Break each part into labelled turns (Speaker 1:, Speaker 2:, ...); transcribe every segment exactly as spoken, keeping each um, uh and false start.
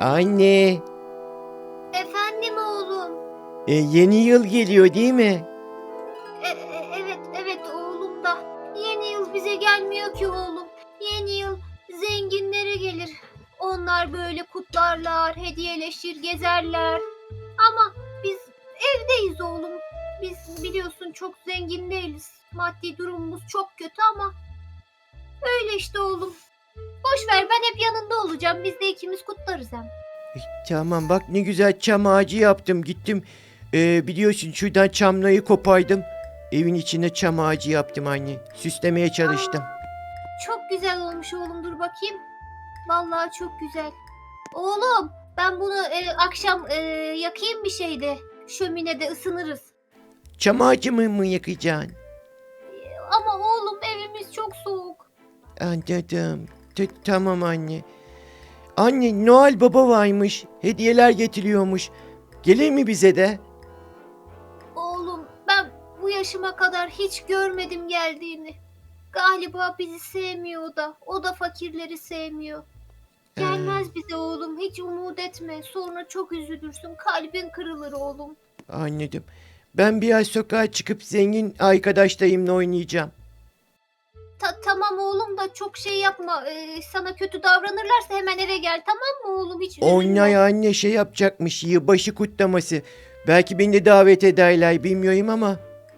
Speaker 1: Anne,
Speaker 2: Efendim oğlum.
Speaker 1: e, yeni yıl geliyor değil mi?
Speaker 2: E- e- evet evet oğlum da. Yeni yıl bize gelmiyor ki oğlum. Yeni yıl zenginlere gelir. Onlar böyle kutlarlar, hediyeleşir, gezerler. Ama biz evdeyiz oğlum. Biz biliyorsun çok zengin değiliz. Maddi durumumuz çok kötü ama öyle işte oğlum. Boş ver, ben hep yanında olacağım. Biz de ikimiz kutlarız hem.
Speaker 1: E, tamam bak ne güzel çam ağacı yaptım. Gittim e, biliyorsun şuradan çamlayı kopardım. Evin içine çam ağacı yaptım anne. Süslemeye çalıştım.
Speaker 2: Çok güzel olmuş oğlum, dur bakayım. Vallahi çok güzel. Oğlum ben bunu e, akşam e, yakayım bir şeyde. Şöminede ısınırız.
Speaker 1: Çam ağacı mı, mı yakacaksın?
Speaker 2: Ama oğlum evimiz çok soğuk.
Speaker 1: Anladım. T- tamam anne. Anne Noel Baba varmış. Hediyeler getiriyormuş. Gelir mi bize de?
Speaker 2: Oğlum ben bu yaşıma kadar hiç görmedim geldiğini. Galiba bizi sevmiyor o da. O da fakirleri sevmiyor. Gelmez bize oğlum, hiç umut etme. Sonra çok üzülürsün. Kalbin kırılır oğlum.
Speaker 1: Anladım. Ben biraz sokağa çıkıp zengin arkadaşlarımla oynayacağım.
Speaker 2: Ta- tamam oğlum da çok şey yapma. Ee, sana kötü davranırlarsa hemen eve gel, tamam mı oğlum? Hiç üzülme.
Speaker 1: Oynay anne şey yapacakmış yılbaşı kutlaması. Belki beni de davet ederler bilmiyorum ama.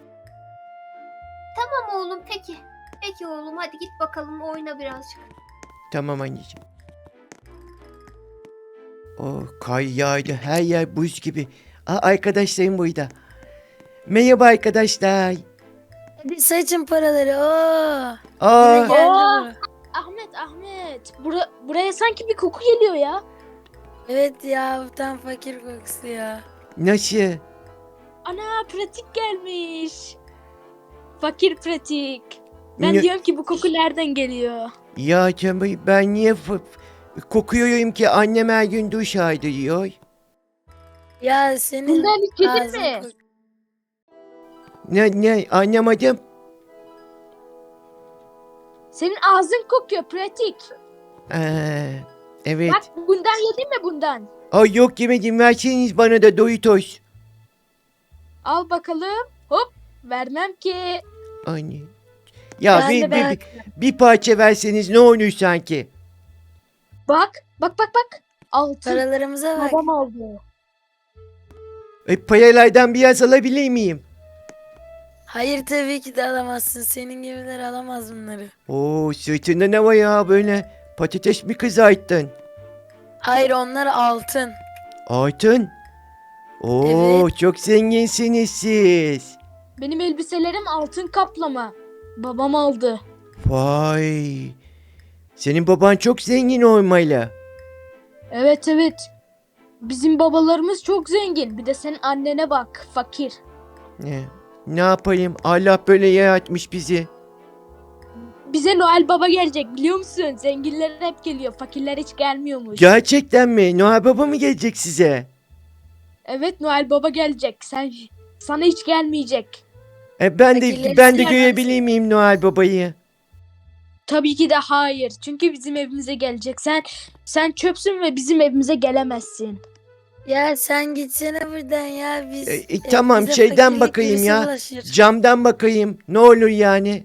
Speaker 2: Tamam oğlum, peki. Peki oğlum, hadi git bakalım oyna birazcık.
Speaker 1: Tamam anneciğim. Oh kar yağdı her yer buz gibi. Aa, arkadaşlarım burada. Merhaba arkadaşlar.
Speaker 3: Hadi saçın paraları. Oo.
Speaker 1: Aa,
Speaker 3: Yine geldi
Speaker 4: Oo.
Speaker 3: bu.
Speaker 4: Ahmet, Ahmet. Bura, buraya sanki bir koku geliyor ya.
Speaker 3: Evet ya, bu tam fakir kokusu ya.
Speaker 1: nasıl?
Speaker 4: Ana, pratik gelmiş. Fakir pratik. Ben
Speaker 1: Ne-
Speaker 4: diyorum ki bu koku nereden geliyor?
Speaker 1: Ya canım ben niye f- f- kokuyorum ki annem her gün duş diyor.
Speaker 3: Ya senin
Speaker 4: Bundan hiç yedin
Speaker 3: ağzın
Speaker 4: mi?
Speaker 3: kok-
Speaker 1: Ne ne anlamadım.
Speaker 4: Senin ağzın kokuyor pratik.
Speaker 1: Ee, evet.
Speaker 4: Bak bundan yedin mi bundan?
Speaker 1: Ay yok yemedim verseniz bana da Doritos.
Speaker 4: Al bakalım. Hop. Vermem ki.
Speaker 1: Anne. Ya
Speaker 3: Ben
Speaker 1: bir,
Speaker 3: de
Speaker 1: bir,
Speaker 3: ben-
Speaker 1: bir, bir parça verseniz ne olur sanki.
Speaker 4: Bak. Bak bak bak. Altın.
Speaker 3: Paralarımıza bak.
Speaker 4: Babam aldı.
Speaker 1: E, paralardan biraz alabilir miyim?
Speaker 3: Hayır, tabii ki de alamazsın. Senin gibiler alamaz bunları.
Speaker 1: Oo sırtında ne var ya böyle patates mi kızarttın?
Speaker 3: Hayır, onlar altın.
Speaker 1: Altın. Oo
Speaker 3: Evet.
Speaker 1: çok zenginsiniz siz.
Speaker 4: Benim elbiselerim altın kaplama. Babam aldı.
Speaker 1: Vay. Senin baban çok zengin olmalı.
Speaker 4: Evet evet. Bizim babalarımız çok zengin. Bir de senin annene bak. Fakir.
Speaker 1: Ne? Ne yapayım? Allah böyle yaratmış bizi.
Speaker 4: Bize Noel Baba gelecek biliyor musun? Zenginler hep geliyor. Fakirler hiç gelmiyormuş.
Speaker 1: Gerçekten mi? Noel Baba mı gelecek size?
Speaker 4: Evet Noel Baba gelecek. Sen sana hiç gelmeyecek.
Speaker 1: E, ben de
Speaker 3: Fakirleri
Speaker 1: ben de
Speaker 3: sevmez.
Speaker 1: görebilir miyim Noel Baba'yı?
Speaker 4: Tabii ki de hayır. Çünkü bizim evimize gelecek. Sen sen çöpsün ve bizim evimize gelemezsin.
Speaker 3: Ya sen gitsene buradan ya. Biz
Speaker 1: E, e,
Speaker 3: e,
Speaker 1: tamam
Speaker 3: bize
Speaker 1: şeyden
Speaker 3: fakirlik
Speaker 1: bakayım
Speaker 3: virüsü
Speaker 1: ya.
Speaker 3: bulaşır.
Speaker 1: Camdan bakayım. Ne olur yani?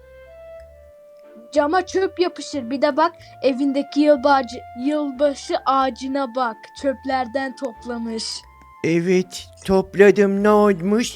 Speaker 4: Cama çöp yapışır. Bir de bak evindeki yılbaşı, yılbaşı ağacına bak. Çöplerden toplamış.
Speaker 1: Evet topladım ne olmuş?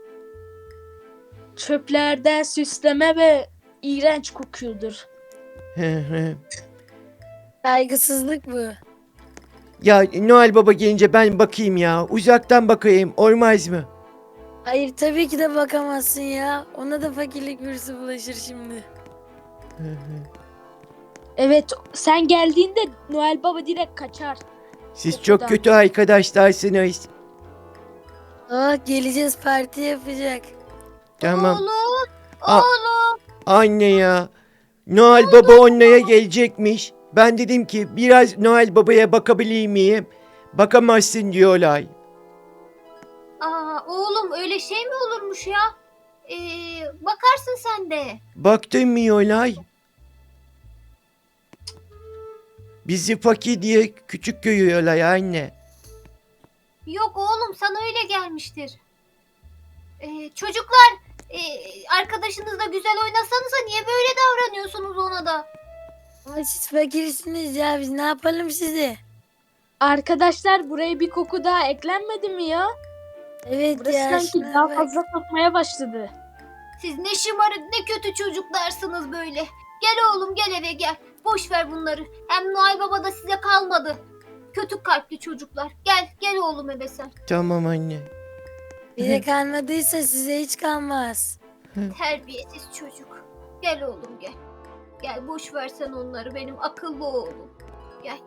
Speaker 4: Çöplerden süsleme ve iğrenç kokuyordur.
Speaker 1: Hı hı.
Speaker 3: Saygısızlık bu.
Speaker 1: Ya Noel Baba gelince ben bakayım ya. Uzaktan bakayım olmaz mı?
Speaker 3: Hayır, tabii ki de bakamazsın ya. Ona da fakirlik virüsü bulaşır şimdi.
Speaker 1: Hı hı.
Speaker 4: Evet sen geldiğinde Noel Baba direkt kaçar.
Speaker 1: Siz
Speaker 4: O
Speaker 1: çok
Speaker 4: kadar.
Speaker 1: kötü arkadaşlarsınız.
Speaker 3: Aa, geleceğiz, parti yapacak.
Speaker 1: Tamam.
Speaker 2: Oğlum,
Speaker 1: Aa.
Speaker 2: oğlum.
Speaker 1: Anne ya. Noel Baba onlara gelecekmiş. Ben dedim ki biraz Noel Baba'ya bakabilir miyim? Bakamazsın diyorlar.
Speaker 2: Aa, oğlum öyle şey mi olurmuş ya? Ee, bakarsın sen de.
Speaker 1: Baktın mı diyorlar? Bizi fakir diye küçük görüyorlar anne.
Speaker 2: Yok oğlum, sana öyle gelmiştir. Ee, çocuklar, e, arkadaşınızla güzel oynasanıza, niye böyle davranıyorsunuz ona da?
Speaker 3: Ama siz fakirsiniz ya, biz ne yapalım size?
Speaker 4: Arkadaşlar, buraya bir koku daha eklenmedi mi ya?
Speaker 3: Evet
Speaker 4: Burası
Speaker 3: ya,
Speaker 4: sanki
Speaker 3: şuna
Speaker 4: daha
Speaker 3: bak.
Speaker 4: fazla kokmaya başladı.
Speaker 2: Siz ne şımarık ne kötü çocuklarsınız böyle. Gel oğlum, gel eve gel. Boş ver bunları. Hem Noel Baba da size kalmadı. Kötü kalpli çocuklar. Gel, gel oğlum eve sen.
Speaker 1: Tamam anne.
Speaker 3: Bize kalmadıysa size hiç kalmaz.
Speaker 2: Terbiyesiz çocuk. Gel oğlum gel. Gel, boş ver sen onları, benim akıllı oğlum. Gel.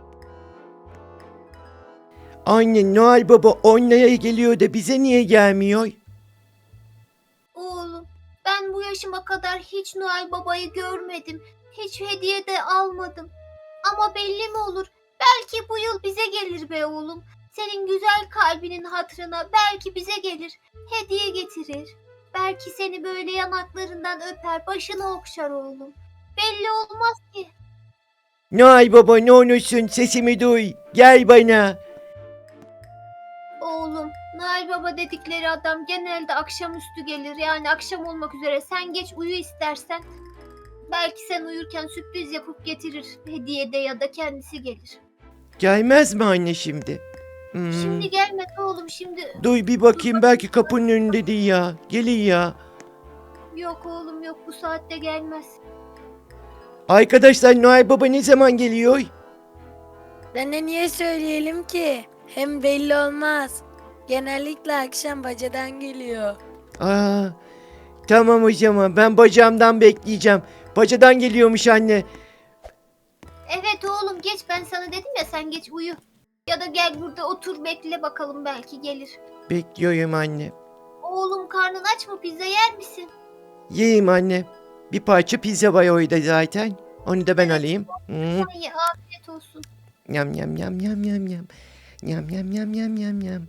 Speaker 1: Anne, Noel Baba onlara geliyor da bize niye gelmiyor?
Speaker 2: Oğlum, ben bu yaşıma kadar hiç Noel Baba'yı görmedim. Hiç hediye de almadım. Ama belli mi olur? Belki bu yıl bize gelir be oğlum. Senin güzel kalbinin hatırına belki bize gelir. Hediye getirir. Belki seni böyle yanaklarından öper, başını okşar oğlum. Belli olmaz ki.
Speaker 1: Noel Baba, ne olursun sesimi duy. Gel bana.
Speaker 2: Oğlum, Noel Baba dedikleri adam genelde akşamüstü gelir. Yani akşam olmak üzere. Sen geç uyu istersen. Belki sen uyurken sürpriz yapıp getirir. Hediyede ya da kendisi gelir.
Speaker 1: Gelmez mi anne şimdi? Hmm.
Speaker 2: Şimdi gelmedi oğlum, şimdi.
Speaker 1: Duy bir bakayım, belki kapının önünde değil ya. Gelin ya.
Speaker 2: Yok oğlum yok, bu saatte gelmez.
Speaker 1: Arkadaşlar, Noel Baba ne zaman geliyor?
Speaker 3: Ben de niye söyleyelim ki? Hem belli olmaz. Genellikle akşam bacadan geliyor.
Speaker 1: Aa, tamam o zaman, ben bacağımdan bekleyeceğim. Bacadan geliyormuş anne.
Speaker 2: Evet oğlum, geç, ben sana dedim ya, sen geç uyu. Ya da gel burada otur bekle bakalım, belki gelir.
Speaker 1: Bekliyorum anne.
Speaker 2: Oğlum, karnın aç mı, pizza yer misin?
Speaker 1: Yiyeyim anne. Bir parça pizza var orada zaten. Onu da ben alayım. Hmm.
Speaker 2: Sen ye, afiyet olsun.
Speaker 1: Yam yam yam yam yam yam. Yam yam yam yam yam yam.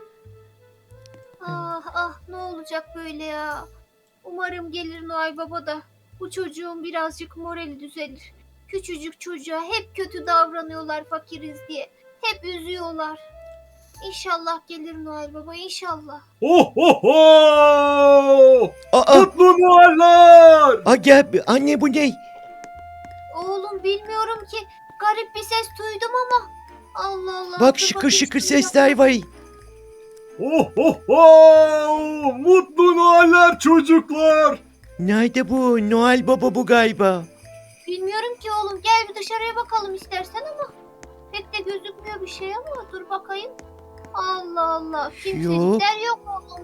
Speaker 2: Ah ah, ne olacak böyle ya. Umarım gelir Noel Baba da bu çocuğun birazcık morali düzelir. Küçücük çocuğa hep kötü davranıyorlar fakiriz diye. Hep üzüyorlar. İnşallah gelir Noel Baba, inşallah.
Speaker 5: Ho ho ho!
Speaker 1: Aa,
Speaker 5: Mutlu Noeller!
Speaker 1: aa gel bir- anne, bu ne?
Speaker 2: Oğlum, bilmiyorum ki, garip bir ses duydum ama. Allah Allah.
Speaker 1: Bak,
Speaker 2: dur
Speaker 1: şıkır
Speaker 2: bakayım
Speaker 1: şıkır
Speaker 2: şuraya.
Speaker 1: sesler var.
Speaker 5: Ho ho ho! Mutlu Noeller çocuklar!
Speaker 1: Nerede bu? Noel Baba bu galiba.
Speaker 2: Bilmiyorum ki oğlum, gel bir dışarıya bakalım istersen ama. Pek de gözükmüyor bir şey ama dur bakayım. Allah Allah, kimsecikler yok oğlum.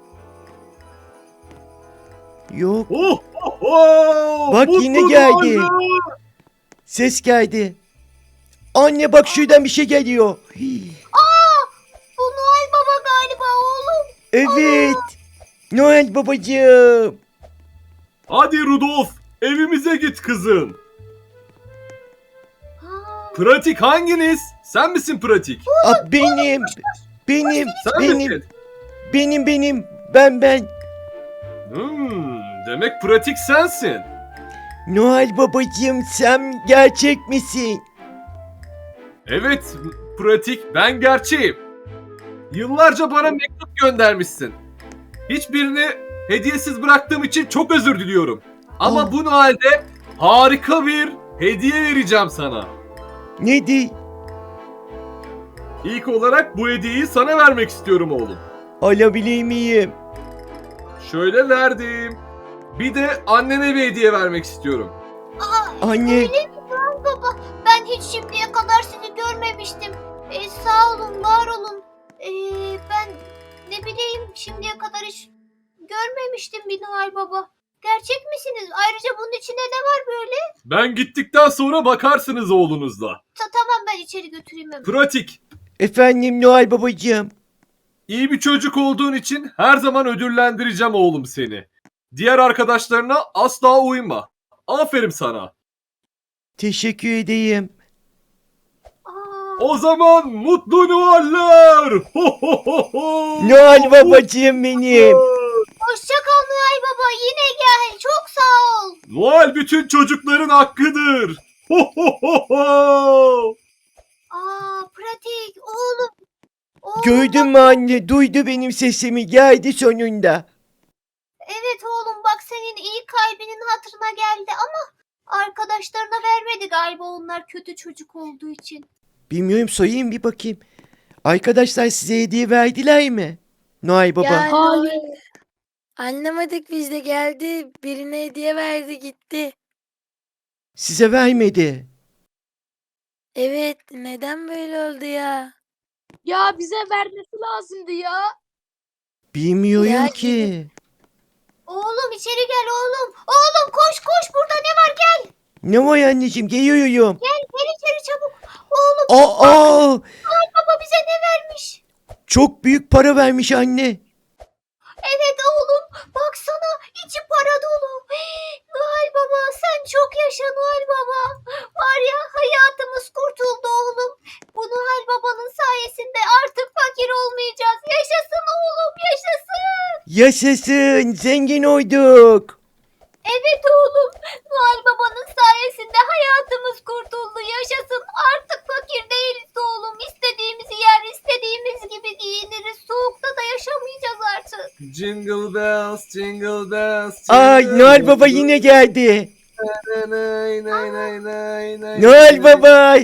Speaker 1: Yok.
Speaker 5: Ho ho ho!
Speaker 1: Bak,
Speaker 5: Mutlu
Speaker 1: yine geldi.
Speaker 5: Noeller!
Speaker 1: Ses geldi. Anne bak, şuradan bir şey geliyor. Hii.
Speaker 2: Aa, bu Noel Baba galiba oğlum.
Speaker 1: Evet. Noel babacığım.
Speaker 5: Hadi Rudolf, evimize git kızım.
Speaker 2: Ha,
Speaker 5: Pratik hanginiz? Sen misin Pratik?
Speaker 1: Aa, benim. Benim.
Speaker 5: Sen
Speaker 1: Benim.
Speaker 5: misin?
Speaker 1: Benim benim. Ben ben.
Speaker 5: Hmm, demek Pratik sensin.
Speaker 1: Noel babacığım, sen gerçek misin?
Speaker 5: Evet, Pratik, ben gerçeğim. Yıllarca bana mektup göndermişsin. Hiçbirini hediyesiz bıraktığım için çok özür diliyorum. Ama
Speaker 1: Aa.
Speaker 5: bu Noel'de harika bir hediye vereceğim sana.
Speaker 1: Neydi?
Speaker 5: İlk olarak bu hediyeyi sana vermek istiyorum oğlum.
Speaker 1: Alabilir miyim?
Speaker 5: Şöyle verdim. Bir de annene bir hediye vermek istiyorum.
Speaker 2: aa,
Speaker 1: Anne.
Speaker 2: öyle mi Noel Baba? Ben hiç şimdiye kadar sizi görmemiştim. Ee, sağ olun, var olun. Ee, ben ne bileyim, şimdiye kadar hiç görmemiştim bir Noel Baba. Gerçek misiniz? Ayrıca bunun içinde ne var böyle?
Speaker 5: Ben gittikten sonra bakarsınız oğlunuzla.
Speaker 2: Ta- tamam, ben içeri götüreyim hemen.
Speaker 5: Pratik,
Speaker 1: Efendim Noel babacığım.
Speaker 5: iyi bir çocuk olduğun için her zaman ödüllendireceğim oğlum seni. Diğer arkadaşlarına asla uyma. Aferin sana.
Speaker 1: Teşekkür edeyim.
Speaker 2: Aa,
Speaker 5: O zaman mutlu Noeller. Ho ho ho ho.
Speaker 1: Noel babacığım benim.
Speaker 2: hoşça kal Noel Baba, yine gel. Çok sağ ol.
Speaker 5: Noel bütün çocukların hakkıdır. Ho ho ho ho.
Speaker 2: Aa pratik oğlum. Oğlum
Speaker 1: Gördün mü anne? Duydu benim sesimi. Geldi sonunda.
Speaker 2: evet oğlum bak senin iyi kalbinin hatırına geldi ama arkadaşlarına vermedi galiba onlar kötü çocuk olduğu için.
Speaker 1: Bilmiyorum, sorayım bir bakayım. Arkadaşlar size hediye verdiler mi? Noel Baba.
Speaker 3: Yani
Speaker 4: Hayır.
Speaker 3: o- Anlamadık biz de geldi. Birine hediye verdi gitti.
Speaker 1: Size vermedi.
Speaker 3: Evet neden böyle oldu ya?
Speaker 4: Ya bize vermesi lazımdı ya.
Speaker 1: Bilmiyorum
Speaker 3: Ya,
Speaker 1: ki.
Speaker 2: Oğlum içeri gel oğlum. Oğlum koş koş burada ne var gel.
Speaker 1: Ne var anneciğim? Geliyorum.
Speaker 2: Gel gel içeri çabuk. Oğlum
Speaker 1: Aa, aa,
Speaker 2: baba bize ne vermiş?
Speaker 1: çok büyük para vermiş anne.
Speaker 2: Evet oğlum baksana içi para dolu. Hii, Noel Baba sen çok yaşa Noel Baba. Var ya hayatımız kurtuldu oğlum. Bu Noel Baba'nın sayesinde artık fakir olmayacağız. Yaşasın oğlum yaşasın.
Speaker 1: Yaşasın, zengin olduk.
Speaker 2: Evet oğlum Noel Baba'nın sayesinde hayatımız kurtuldu. Yaşasın artık fakir değiliz oğlum. İstediğimizi yer istediğimiz gibi giyiniriz. Soğukta da yaşamayacağız artık.
Speaker 5: Jingle bells, jingle bells.
Speaker 1: Ay,
Speaker 5: jingle
Speaker 1: Noel Baba yine geldi.
Speaker 5: Nay, nay, nay, nay, nay,
Speaker 1: Noel
Speaker 5: nay.
Speaker 1: Baba.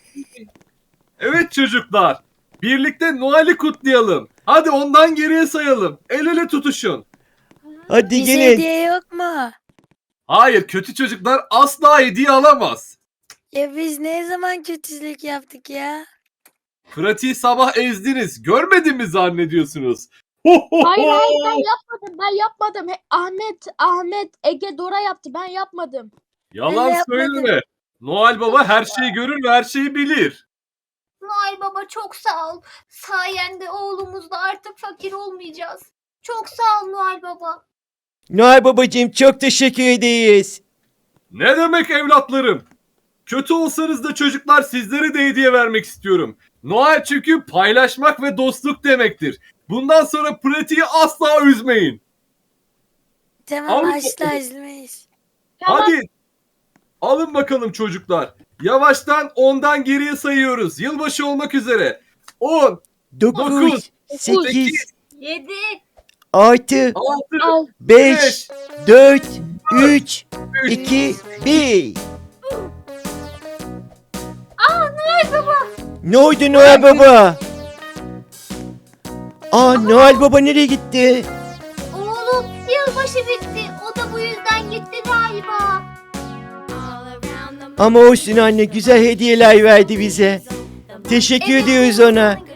Speaker 5: Evet çocuklar. Birlikte Noel'i kutlayalım. Hadi ondan geriye sayalım. El ele tutuşun.
Speaker 1: Hadi
Speaker 3: Bize
Speaker 1: gelin.
Speaker 3: hediye yok mu?
Speaker 5: Hayır, kötü çocuklar asla hediye alamaz.
Speaker 3: Ya biz ne zaman kötülük yaptık ya?
Speaker 5: Pratiği sabah ezdiniz. Görmedin mi zannediyorsunuz? Ho, ho,
Speaker 4: Hayır
Speaker 5: ho.
Speaker 4: hayır ben yapmadım. Ben yapmadım. He- Ahmet, Ahmet, Ege, Dora yaptı. Ben yapmadım.
Speaker 5: Yalan
Speaker 3: Ben de yapmadım.
Speaker 5: söyleme. Noel Baba her şeyi görür ve her şeyi bilir.
Speaker 2: Noel Baba çok sağ ol. Sayende oğlumuzla artık fakir olmayacağız. Çok sağ ol Noel Baba.
Speaker 1: Noel Babacığım çok teşekkür ederiz.
Speaker 5: Ne demek evlatlarım? Kötü olsanız da çocuklar sizlere de hediye vermek istiyorum. Noel çünkü paylaşmak ve dostluk demektir. Bundan sonra pratiği asla üzmeyin.
Speaker 3: Tamam
Speaker 5: Al
Speaker 3: asla
Speaker 5: bakalım.
Speaker 3: üzmeyiz.
Speaker 4: Tamam.
Speaker 5: Hadi. Alın bakalım çocuklar. Yavaştan ondan geriye sayıyoruz. Yılbaşı olmak üzere. on,
Speaker 1: Dokuz,
Speaker 5: Dokuz,
Speaker 1: sekiz,
Speaker 2: Yedi.
Speaker 1: altı,
Speaker 5: altı,
Speaker 4: Al.
Speaker 1: beş, dört, üç,
Speaker 5: üç.
Speaker 1: iki, bir.
Speaker 2: Aa Noel Baba.
Speaker 1: Ne oldu Noel Baba? Aa, Noel Baba nereye gitti?
Speaker 2: Oğlum yılbaşı bitti. O da bu yüzden gitti galiba.
Speaker 1: Ama olsun anne, güzel hediyeler verdi bize. Teşekkür ediyoruz ona.